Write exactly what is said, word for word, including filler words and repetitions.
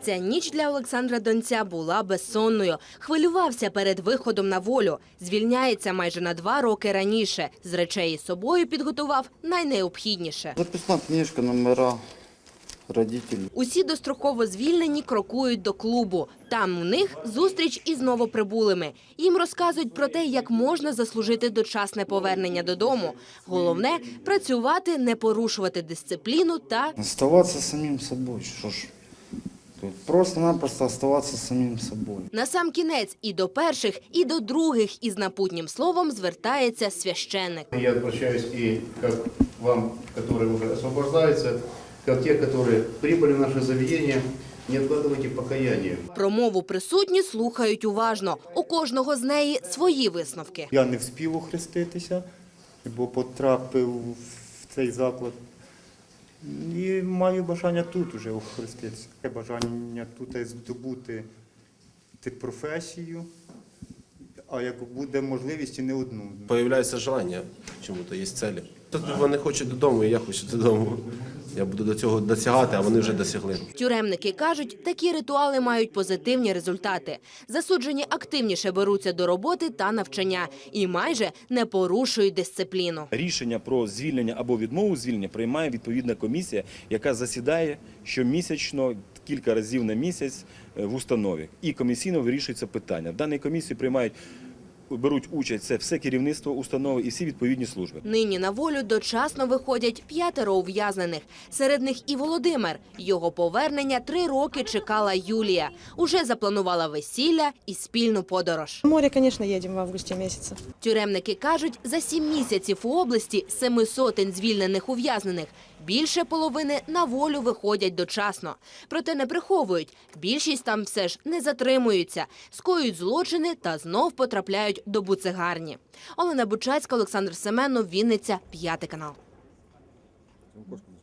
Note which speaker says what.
Speaker 1: Ця ніч для Олександра Донця була безсонною. Хвилювався перед виходом на волю. Звільняється майже на два роки раніше. З речей із собою підготував найнеобхідніше.
Speaker 2: Записна книжка, номера, родителі.
Speaker 1: Усі достроково звільнені крокують до клубу. Там у них зустріч із новоприбулими. Їм розказують про те, як можна заслужити дочасне повернення додому. Головне – працювати, не порушувати дисципліну та…
Speaker 2: Оставатися самим собою, що ж. Просто-напросто оставатися самим собою.
Speaker 1: Насамкінець і до перших, і до других із напутнім словом звертається священник.
Speaker 3: Я обращаюсь и как вам, которые уже освобождаются, как те, которые прибыли в наше заведение, не откладывайте покаяние.
Speaker 1: Промову присутні слухають уважно. У кожного з неї свої висновки.
Speaker 4: Я не встиг охреститися, бо потрапив в цей заклад. І маю бажання тут уже охреститися. Таке бажання тут здобути професію, а як буде можливість, і не одну.
Speaker 5: Появляється желання чому-то, є цілі. Тут вони хочуть додому, і я хочу додому. Я буду до цього досягати, а вони вже досягли.
Speaker 1: Тюремники кажуть, такі ритуали мають позитивні результати. Засуджені активніше беруться до роботи та навчання і майже не порушують дисципліну.
Speaker 6: Рішення про звільнення або відмову звільнення приймає відповідна комісія, яка засідає щомісячно, кілька разів на місяць в установі. І комісійно вирішується питання. В даній комісії приймають беруть участь це все керівництво установи і всі відповідні служби.
Speaker 1: Нині на волю дочасно виходять п'ятеро ув'язнених. Серед них і Володимир. Його повернення три роки чекала Юлія. Уже запланувала весілля і спільну подорож.
Speaker 7: В море, конечно, едем в августе месяце.
Speaker 1: Тюремники кажуть, за сім місяців у області семи сотень звільнених ув'язнених. Більше половини на волю виходять дочасно. Проте не приховують. Більшість там все ж не затримуються, скоюють злочини та знов потрапляють до буцегарні. Олена Бучацька, Олександр Семенов, Вінниця, п'ятий канал.